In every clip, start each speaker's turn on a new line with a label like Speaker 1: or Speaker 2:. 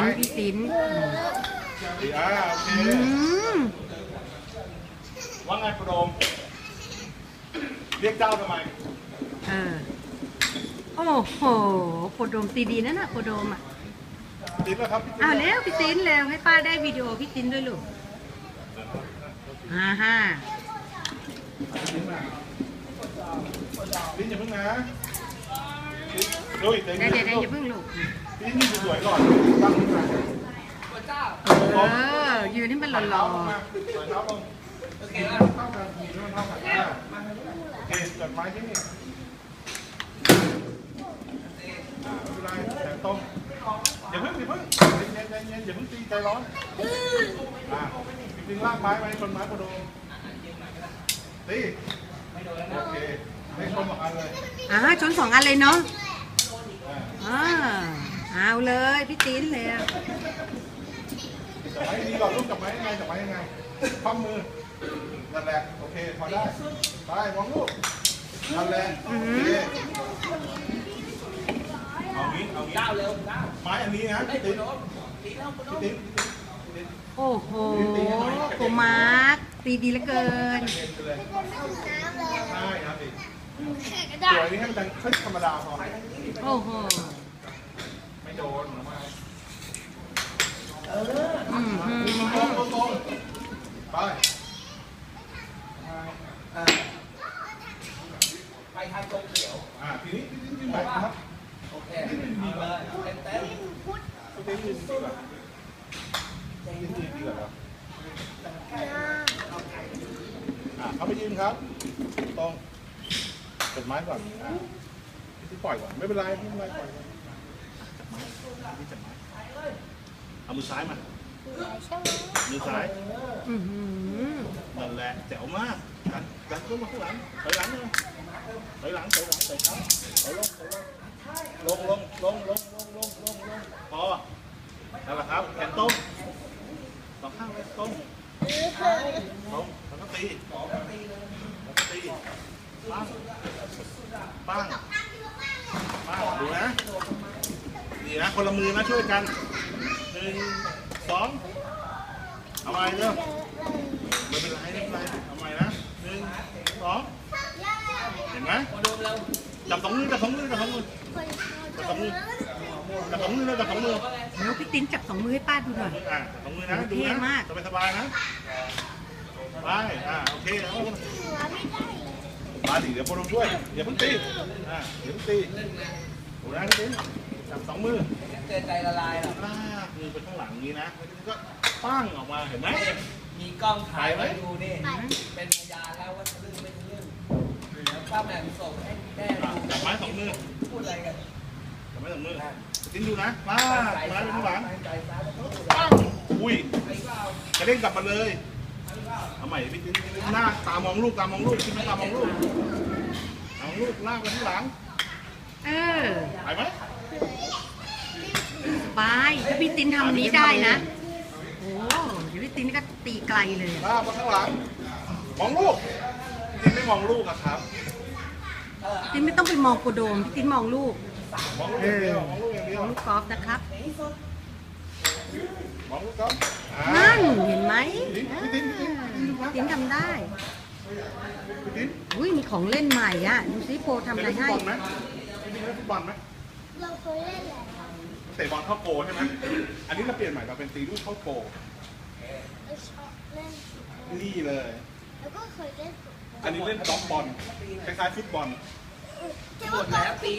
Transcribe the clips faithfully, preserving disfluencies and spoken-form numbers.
Speaker 1: พี่ติ้น
Speaker 2: ดีอ่าโอเคว่าไงโปรมเรียกเจ้าทำไม
Speaker 1: เออโอ้โหโคโดมตีดีนั่นน่ะโคโดมอ่ะ
Speaker 2: ติ้นแล้วครับ
Speaker 1: อ้าวเร็วพี่ติ้นเร็วให้ป้าได้วิดีโอพี่ติ้นด้วยลูกฮ่าฮ่า
Speaker 2: ติ้นอย่าเพิ่งนะลุยเดี๋ยว
Speaker 1: เดี๋ยวเดี๋ยวอย่าเพิ่งลูก
Speaker 2: ติ้นยืนสวยก่อนตั้งขึ้นมา
Speaker 1: เออยืนให้มันหล่อๆ
Speaker 2: เท้าลงโอเคแล้วเท่ากันมีเท่ากันโอเคจัดไม้ที่นี่ไม่เป็นไรแต่ต้มอย่าเพิ่งอย่าเพิ่งเย็นเย็นเย็นอย่าเพิ่งตีใจร้อนอ่าดึงลากไม้ไปชนไม้กระโดดตีโอเคไม่ชนสองอันเลย
Speaker 1: อ่าชนสองอันเลยเนาะอ่าเอาเลยพี่ติ้นเลย
Speaker 2: จับไม้ดีก่อนลูกจับไม้ยังไงจับไม้ยังไงคว่ำมือนั่นแหละโอเคพอได้ไปมองลูกนั่นแหละโอเคเอางี้เอางี้ไม้อันนี้นะพี่ติ๊กพี่ติ๊ก
Speaker 1: โอ้โหโกมาร์กตีดีเหลือเกิน
Speaker 2: ใช่ครับพี่สวยนี่ให้มันดังขึ้นธรรมดาพอ
Speaker 1: โอ้โห
Speaker 2: ไม่โดนหรอมา
Speaker 1: อืมอืม
Speaker 2: ตรงตรงตรงไป
Speaker 3: ไปทางตรงเขียว
Speaker 2: อ่าทีนี้ทีนี้ยืนแบบครับ
Speaker 3: โอเคดีเลยเต็มเต็ม
Speaker 2: ทีนี้ยืนดีกว่ายืนดีดีกว่าครับอ่าเขาไปยืนครับตรงกดไม้ก่อนอ่าที่ปล่อยก่อนไม่เป็นไรไม่เป็นไรปล่อยจับไม้ที่จับไม้เอามือซ้ายมามือซ้ายนั่นแหละแจ๋วมากกันกันขึ้นมาข้างหลังถอยหลังเลยถอยหลังถอยหลังถอยหลังถอยลงถอยลงลงลงลงลงลงลงลงพอนั่นแหละครับแขนต้มสองข้างเลยต้มต้มแล้วก็ตีแล้วก็ตีปั้งปั้งปั้งดูนะนี่นะคนละมือนะช่วยกันหนึ่งสองเอาใหม่เร็วไม่เป็นไรไม่เป็นไรเอาใหม่นะหนึ่งสองเห็นไหมจับสองมือจับสองมือจับสองมือจับสองมือจับสองมือจับสองมือ
Speaker 1: แล้วพี่ติ้นจับสองมือให้ป้าดูหน่อย
Speaker 2: อ่ะสองมือนะดูนะสบายสบายนะไปอ่าโอเคเอามาดิเดี๋ยวโปรช่วยอย่าเพิ่งตีอ่าอย่าเพิ่งตีดูนะพี่ติ้นจับสองมือ
Speaker 3: เจอใจละลายหรอ
Speaker 2: ลากมือไปข้างหลังนี้นะก็ปั้งออกมาเห็นไหม
Speaker 3: มีกล้องถ่ายไว้ดูนี่เป็นพยานแล้วว่าทะลึ่งไม่ทะลึ่งป้าแหม่มส่งให้แม่ดู
Speaker 2: จับไม้สองมือ
Speaker 3: พูดอะไรกัน
Speaker 2: จับไม้สองมือติ้นดูนะมาไม้ไปข้างหลังอุ้ยกระเด้งกลับมาเลยเอาใหม่พี่ติ้นหน้าตามองลูกตามองลูกติ้นตามองลูกตามองลูกลากไปข้างหลัง
Speaker 1: เออ
Speaker 2: ไปไหม
Speaker 1: ไปถ้าพี่ติ้นทำนี้ได้นะโอ้เดี๋ยวพี่ติ้นก็ตีไกลเลย
Speaker 2: ลากมาข้างหลังมองลูกพี่ติ้นไม่มองลูกอะครับ
Speaker 1: ติ้นไม่ต้องไปมองโกโดมพี่ติ้นมองลูก
Speaker 2: มองลูกอย่างเดียวมองลูกอย่างเดียว
Speaker 1: มองลูกกอล์ฟนะครับ
Speaker 2: มองลูกกอล์ฟ
Speaker 1: นั่นเห็นไหม
Speaker 2: พี่ติ้นพี่ติ้น
Speaker 1: ติ้นทำได้อุ้ยมีของเล่นใหม่อ่ะดูซิโปทำอะไรให้
Speaker 2: ฟุตบอลไหมพี่ติ้นเล่นฟุตบอลไหม
Speaker 4: เราเคยเล่นแหละ
Speaker 2: เตะบอลเข้าโกใช่ไหมอันนี้เราเปลี่ยนใหม่เราเป็นตีลูกเข้าโกนี่เลย
Speaker 4: แล้วก็เคยเล่น
Speaker 2: อันนี้เล่นด็อกบอลคล้ายๆฟุตบอล
Speaker 3: หมดแล้วตี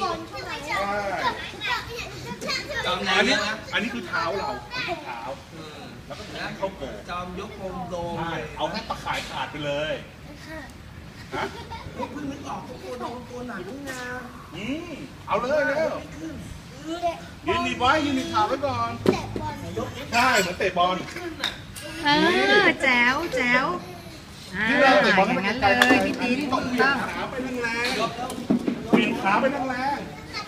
Speaker 3: จอม
Speaker 2: อันนี้อันนี้คือเท้าเราเท้าแล้วก็เข้าโก
Speaker 3: จอมยกโคมโดม
Speaker 2: เอาให้ตะข่ายขาดไปเลยฮะ
Speaker 3: เพิ่งนึกออกตัวโดมตัวหนังงา
Speaker 2: อืมเอาเลยเร็วยืนดีไว้ยืนดีขาไว้ก่อนใช่เหมือนเตะบอล
Speaker 1: เออแจ๋วแจ๋ว
Speaker 2: ที่เราเตะบอลให้
Speaker 1: มัน
Speaker 2: ไกล
Speaker 1: เลยพี่ติ้น
Speaker 2: ต้องเวียนขาไปแรงๆเวียนขาไปแรง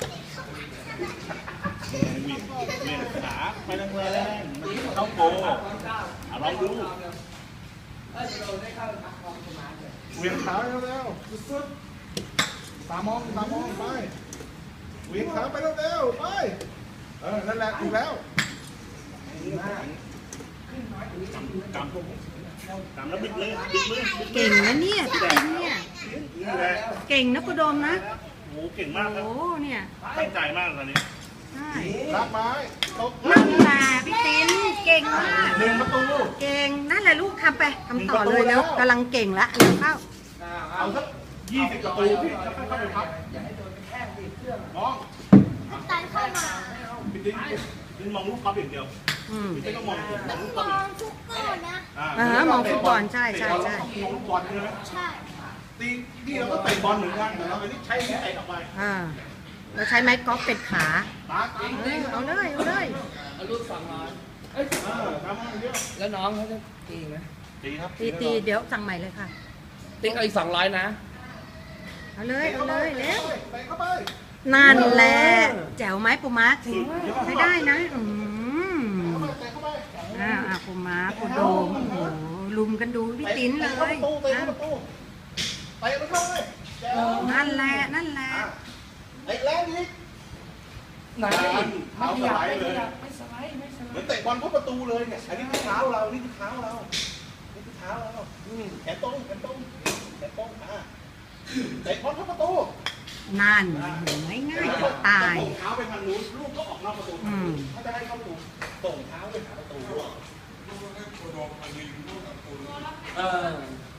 Speaker 2: ๆเวียนเวียนขาไปแรงๆมันเข้าโกลองดูเวียนขาเร็วๆสุดๆตามองตามองไปเวียนขาไปเร็วๆไปเออนั่นแหละถูกแล้วกำกำแล้วบิดเลยบิดมือบิดมือ
Speaker 1: เก่งนะเนี่ยพี่ติ๋นเนี่ย
Speaker 2: นี่แหละ
Speaker 1: เก่งนะกุดมนะ
Speaker 2: โอ้เก่งมากครับ
Speaker 1: โอ้เนี่ย
Speaker 2: ตั้งใจมากตอนนี้
Speaker 1: ใช่
Speaker 2: รับไม้ตก
Speaker 1: นั่นแหละพี่ติ๋นเก่งมาก
Speaker 2: หนึ่งประตู
Speaker 1: เก่งนั่นแหละลูกทำไปทำต่อเลยแล้วกำลังเก่งละเร็วเข้า
Speaker 2: เอาสักยี่สิบประตูพี่จะค่อยๆไปพับ
Speaker 3: อย่าให้โดนแข้งดิเครื่อง
Speaker 2: น้อง
Speaker 4: ตอนเข้ามา
Speaker 2: พี่ติ๊กพี่มองลูกกอล์ฟอย่างเดียว
Speaker 1: อืม
Speaker 2: พี่ติ๊กก็มองมองลูกก
Speaker 4: ม
Speaker 2: อล์ฟ
Speaker 4: องทุกก้อนนะ
Speaker 1: อ่ามองฟุตบอลใช่ใช่ใช่
Speaker 2: มองลูกบอลใช่ไหม
Speaker 4: ใช่
Speaker 2: ตีนี่เราก็เตะบอลเหมือนกันแต่เราอันนี้ใช้เตะออกไป
Speaker 1: อ่าเราใช้ไม้กอล์ฟเป็นขา
Speaker 2: ตาตี
Speaker 1: เออเอาเลยเอาเลย
Speaker 3: เอาลูกสองร้อยเอ้ย
Speaker 2: เออทำมาเยอะ
Speaker 3: แล้วน้องเขาจะตีไหม
Speaker 2: ตีครับ
Speaker 1: ตีตีเดี๋ยวสั่งใหม่เลยค่ะ
Speaker 3: ติ๊กเอาอีกสองร้อยนะ
Speaker 1: เอาเลยเอาเลยเร็ว
Speaker 2: เตะเข้าไป
Speaker 1: นั่นแหละแจ๋วไหมปูมาร์คใช้ได้นะอืม
Speaker 2: เตะเข้าไป
Speaker 1: อ่าอ่าปูมาร์คปูโดมโอ้โหลุมกันดูพี่ติ๋นเล
Speaker 2: เตะเข้าย ประตูเตะ
Speaker 1: อ่ะ
Speaker 2: เข้าประตูเตะมันเข้าเลยแจ๋ว
Speaker 1: นั่นแหละนั่นแหละ
Speaker 2: เตะแรงอีก
Speaker 3: ไหน
Speaker 2: เท้าสไลด์เลย
Speaker 3: ไม่สไลด์ไม่สไลด์
Speaker 2: เหมือนเตะบอลเข้าประตูเลยเนี่ย อันนี้คือเท้าเรา นี่คือเท้าเรา นี่คือเท้าเราอืมแขนตรงแขนตรงแขนตรงอ่ะเตะบอลเข้าประตู
Speaker 1: นั่นโหง่ายง่ายจะตาย
Speaker 2: ส่งเท้าไปทางนู้นลูกก็ออกนอกประตู
Speaker 1: อืม
Speaker 2: ถ้าจะให้เข้าประตูส่งเท้าไปหาประตู
Speaker 3: เออ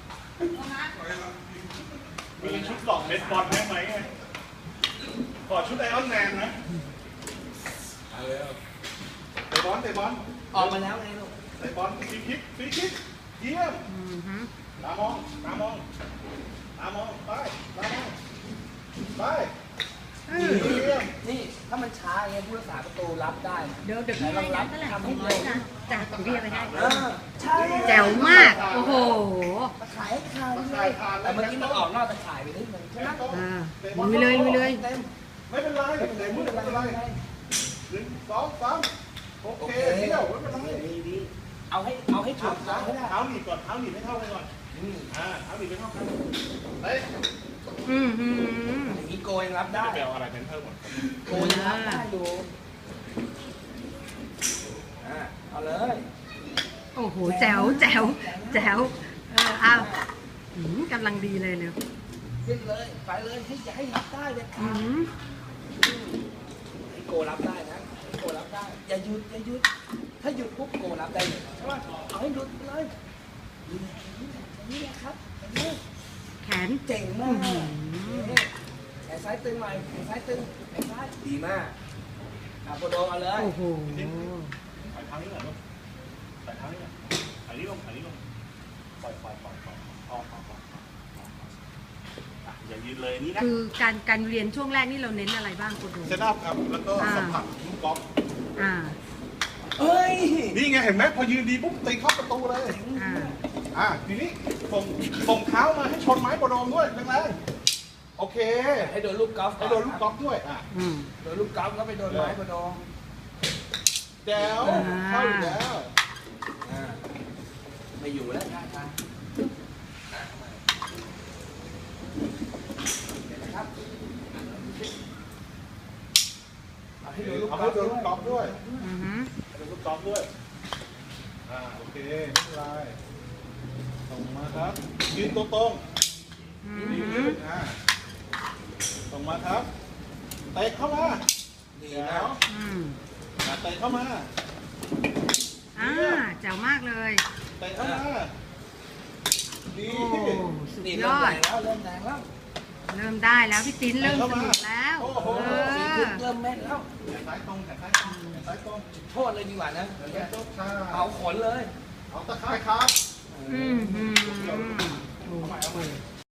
Speaker 2: มีชุดหลอกเบสบอลได้ไหมขอชุดไอออนแมนนะเตะบอลเตะบอล
Speaker 3: ออกมาแล้วไงลูก
Speaker 2: เตะบอลฟรีคิกฟรีคิกเยี่ยม
Speaker 1: อืมฮึ
Speaker 2: ตามองตามองตามองไปตามองไป
Speaker 1: เออ
Speaker 2: เยี่ยม
Speaker 3: นี่ถ้ามันช้าอย่างเงี้ยผู้รักษาประตูรับได้นะ
Speaker 1: เดี๋ยวเดี๋ยวพี่ให้นะเท่าไหร่สองร้อยนะจ้ะเดี๋ยวพี่เอาไปให้
Speaker 3: เออใช่
Speaker 1: แจ๋วมาก โอ้โห
Speaker 3: ตะข่ายให้คาเลยแต่เมื่อกี้มันออกนอกตะข่ายไปนิดนึงใช่ไหม
Speaker 1: อ่าลุยเลยลุยเลย
Speaker 3: เต็ม
Speaker 2: ไม่เป็นไรเตะมือไม่เป็นไรหนึ่งสองสามโอ
Speaker 3: โอ
Speaker 2: เค
Speaker 3: เค
Speaker 2: เที่ยวไม่เป็นไร
Speaker 3: ดีดีเอาให้เอาให้ถูก
Speaker 2: เท้า
Speaker 3: ทางให้ได้
Speaker 2: เท้าหนีบก่อนเท้าหนีบให้เท่ากันก่อน
Speaker 3: อืม
Speaker 2: อ่าเท้าหนีบให้เท่ากันเฮ้ย
Speaker 1: อืมฮึ
Speaker 3: อย่างนี้โกยรับได้
Speaker 2: จะไปเอาอะไรเป็นเพิ่มก่อน
Speaker 3: โกยรับได้ดูอ่าเอาเลย
Speaker 1: โอ้โหแจ๋วแจ๋วแจ๋วเออเอาอืมกำลังดีเลยเร็ว
Speaker 3: ขึ้นเลยไปเลยให้อย่าให้รับได้เลย
Speaker 1: อืม
Speaker 3: ให้โกรับได้นะให้โกรับได้ อย่าหยุดอย่าหยุด ถ้าหยุดปุ๊บโกรับได้เลยใช่ไหมเอาให้หยุดไปเลยนี่แหละครับอย่างนี้
Speaker 1: แขน
Speaker 3: เจ๋งมากแขนซ้ายตึงหน่อยแขนซ้ายตึงแขนซ้ายดีมากอาโปโดเอาเลย
Speaker 1: โอ้โห
Speaker 2: ใส่เท้านี้ก่อนลูกใส่เท้านี้ก่อนใส่นี้ลงใส่นี้ลงปล่อยปล่อยปล่อยปล่อยออกออกออกอ่ะอย่ายืนเลยนี่นะ
Speaker 1: คือการการเรียนช่วงแรกนี่เราเน้นอะไรบ้างคุณดู
Speaker 2: เซตอัพครับ แล้วก็สัมผัสลูกกอล์ฟ
Speaker 1: อ่า
Speaker 3: เฮ้ย
Speaker 2: นี่ไงเห็นไหมพอยืนดีปุ๊บตีเข้าประตูเลย
Speaker 1: อ่า
Speaker 2: อ่ะทีนี้ส่งส่งเท้ามาให้ชนไม้โปรโดมด้วยแรงๆโอเค
Speaker 3: ให้โดนลูกกอล์ฟ
Speaker 2: ให้โดนลูกกอล์ฟด้วยอ่ะ
Speaker 1: อืม
Speaker 3: โดนลูกกอล์ฟแล้วไปโดนไม้โปโด
Speaker 2: แจ๋ว
Speaker 1: อ่า
Speaker 2: เข้าอีกแล้ว
Speaker 3: อ่าไม่อยู่แล้วท่าทางอ่ะทำไมเดี๋ยวนะครับเอาให้โดนลูก
Speaker 2: เอา
Speaker 3: กอ
Speaker 2: ให้
Speaker 3: ล์ฟ
Speaker 2: โดนลูกกอล์ฟด้วย
Speaker 1: อือฮึ
Speaker 2: ให้โดนลูกกอล์ฟด้วยอ่าโอเคไม่เป็นไรส่งมาครับยืนตัวตรง
Speaker 1: อื
Speaker 2: ดี
Speaker 1: อฮึ
Speaker 2: ขึ้นอ่าส่งมาครับเตะเข้ามา
Speaker 3: ดี
Speaker 2: แจ๋
Speaker 3: นะ
Speaker 2: ว
Speaker 1: อืม
Speaker 2: อ่ะเตะเข้ามา
Speaker 1: อ่าแจ๋วมากเลย
Speaker 2: เตะเข้ามาดี
Speaker 1: โอ้สุด
Speaker 3: นี่
Speaker 1: ย
Speaker 3: เริ่ม
Speaker 1: อ
Speaker 3: แร
Speaker 1: ด
Speaker 3: งแล้วเริ่มแรงแล้ว
Speaker 1: เริ่มได้แล้วพี่ติ้นเริ่มสนุกแล้ว
Speaker 2: โอ้โห
Speaker 1: เอ
Speaker 3: สี
Speaker 1: อ
Speaker 3: ทึบเริ่มแม่นแล้ว
Speaker 2: แขนซ้ายตรงแขนซ้ายตรงแขนซ้ายตรง
Speaker 3: โทษเลยดีกว่านะ
Speaker 2: แขนซ้ายตรงค่ะ
Speaker 3: เอาขนเลย
Speaker 2: เอาตะไคร้ครับ
Speaker 1: อืมอืมโอ้โห